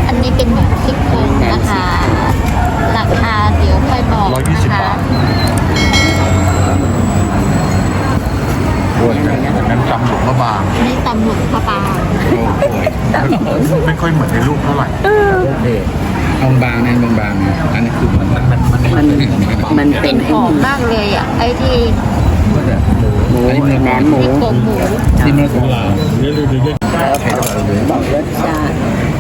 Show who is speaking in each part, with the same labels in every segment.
Speaker 1: อันนี้เป็นหมูซี่โครงนะคะราคาเดี๋ยวค่อยบอกนะคะ
Speaker 2: ด้วยนั้นจำหลวงพระบาง
Speaker 1: นี่ตำหลวงพระบาง
Speaker 2: โอ้โหไม่ค่อยเหมือนในรูปเท่าไหร่
Speaker 3: บางนั่นบางอันนี้คือมัน
Speaker 1: เป็นหอมมากเลยอ่ะไอ้ที่
Speaker 3: หมูแหนมหมู
Speaker 1: ซี่โครงหมู
Speaker 3: ที่เนื้อของเรา
Speaker 1: บอกรสชาติ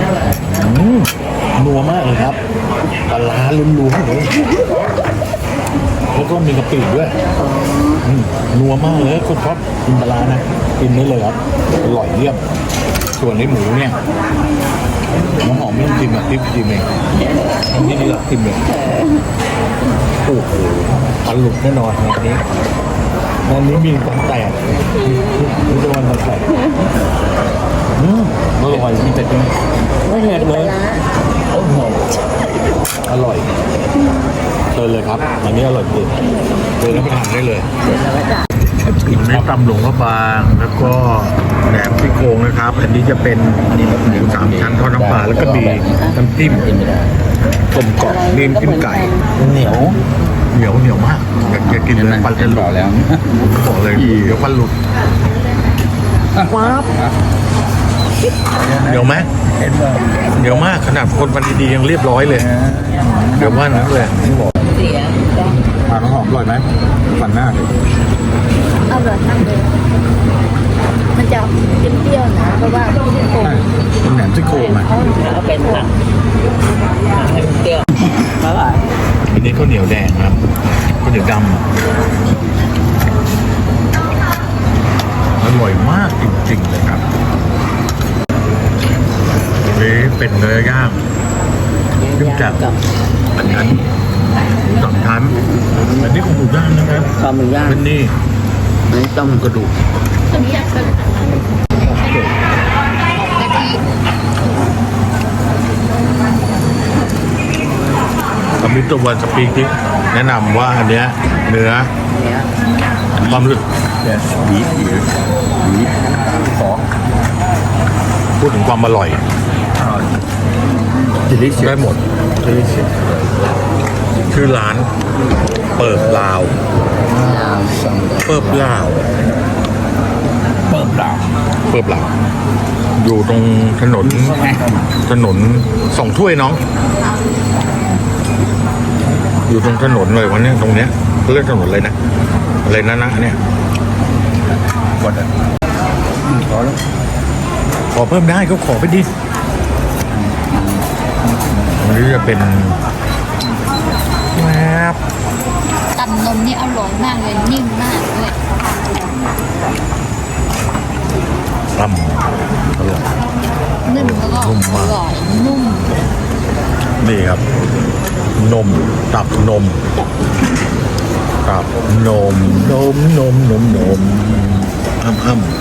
Speaker 2: นัวมากเลยครับปลาร้าล้วนๆเลยแล้วก็มีกะปิด้วยนัวมากเลยคนชอบกินปลาร้านะกินได้เลยครับอร่อยเยี่ยมส่วนในหมูเนี่ยน้ำหอมไม่ต้องจิ้มแบบติ๊บจิ้มเองทำที่นี่หลักจิ้มเองโอ้โหปลาหลุดแน่นอนวันนี้มีความแตกนี่จะวันแตกอร่อยมีแต่จิ้มไม่เผ็ดเลยโอ้โหอร่อยเลยครับอันนี้อร่อยจริงเลยแล้วไปทานได้เลยอันนี้ตำหลวงพระบางแล้วก็แหนมซี่โครงนะครับอันนี้จะเป็นหมูสามชั้นทอดน้ำปลาแล้วก็มีน้ำจิ้มต้มกรอบนี่น้ำจิ้มไก่เหนียวมากอยากกินเลยปันจะหลุดแล้วบอกเลยเดี๋ยวปันหลุดว้าวเดี๋ยวไหมเดี๋ยวมากขนาดคนมันดีๆยังเรียบร้อยเลยเดี๋ยวว่านั้นเลยน้ำหอมอร่อยไหมฝันหน้าเลย
Speaker 1: อร่อยมากเลยมันจะเปรี้ยวๆนะเพราะว่าซี่โครง
Speaker 2: เป็นแหนมซี่โครงอ่ะ
Speaker 1: เขาเป็นผักเปรี้ยวอร่อย
Speaker 2: อันนี้ข้าวเหนียวแดงครับข้าวเหนียวดำอร่อยมากจริงๆเลยครับอันนี้เป็นเนื้อย่างขึ้นจากอันนั้นสองชั้นอันนี้ของหมูย่างนะครับ
Speaker 3: ข้าวหมูย่าง
Speaker 2: เป็นนี่
Speaker 3: อันนี้ต้ม
Speaker 2: กระดูก
Speaker 1: ต้มยำกะทิ
Speaker 2: คอมพิวเตอร์วันสปีกที่แนะนำว่าอันเนี้ยเนื้อความรู้สึกบีขอพูดถึงความอร่อยได้หมดชื่อร้านเปิบลาวเปิบลาวอยู่ตรงถนนสองถ้วยน้อง อยู่ตรงถนนเลยวันนี้ตรงเนี้ยเรียกถนนเลยนะอะไรนะเนี่ยขอเพิ่มได้ก็ขอไปดิอันนี้จะเป็นแมบ
Speaker 1: ตำนมนี่อร่อยมากเลยนิ่มมากเลย
Speaker 2: ตำอร่อย
Speaker 1: นิ่มแล้วก็อร่อยนุ่ม
Speaker 2: นี่ครับนมตับนมตับนมอ้ำ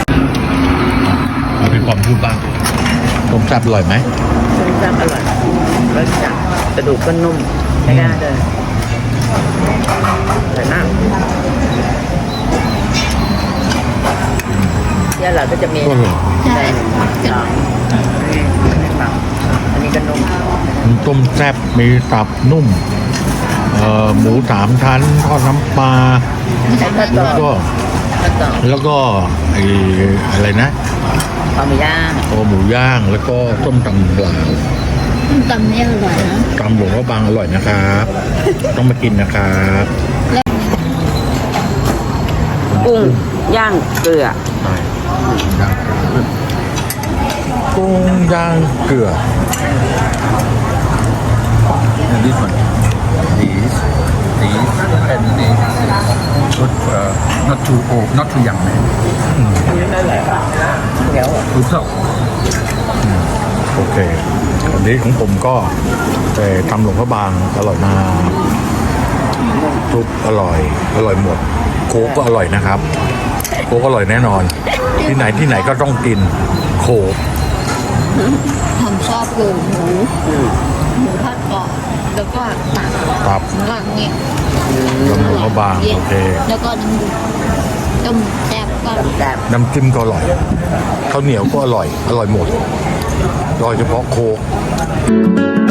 Speaker 2: เอาพี่ความพูดบ้างต้มแซ่บอร่อยไหม
Speaker 3: ต้มยำอร่อยรสจัดกระดูกก็นุ่มไม่ได้เลยแต่น้ำที่เราก็จะมี
Speaker 2: ก็อร่อย
Speaker 1: ใช่
Speaker 3: อันนี้ก็นุ่ม
Speaker 2: ต้มแซ่บมีตับนุ่มหมูสามชั้นทอดน้ำปลา
Speaker 1: ไม่ใช่
Speaker 2: แล้วก็ แล้วก็ไอ้อะไรนะ
Speaker 3: ข้าวหมูย่าง
Speaker 2: คอหมูย่างแล้วก็ต้มตำปลา
Speaker 1: ตำนี่อร่อยนะ
Speaker 2: ตำหลวงพระบางอร่อยนะครับ ต้องมากินนะครับ
Speaker 3: กุ้งย่างเกลือ
Speaker 2: กุ้งย่างเกลือ
Speaker 4: And this one, these, and these. But not too old, not too young.
Speaker 3: เดี๋ยว
Speaker 4: Good talk.
Speaker 2: โอเควันนี้ของผมก็ทำหลวงพระบางอร่อยมากซุปอร่อยหมดโค้กก็อร่อยนะครับโค้กอร่อยแน่นอน ที่ไหนก็ต้องกินโค้ก
Speaker 1: ผมชอบคือหมูทอดกรอบแล้วก็หนัก
Speaker 2: ครับ
Speaker 1: แล้วก็เนี่ย
Speaker 2: หลวงพระบางโอเค
Speaker 1: แล้วก็น้ำต้มแซ่บก็
Speaker 3: แบบ
Speaker 2: น้ำจิ้มก็อร่อยข้าวเหนียวก็อร่อยหมดโดยเฉพาะโคก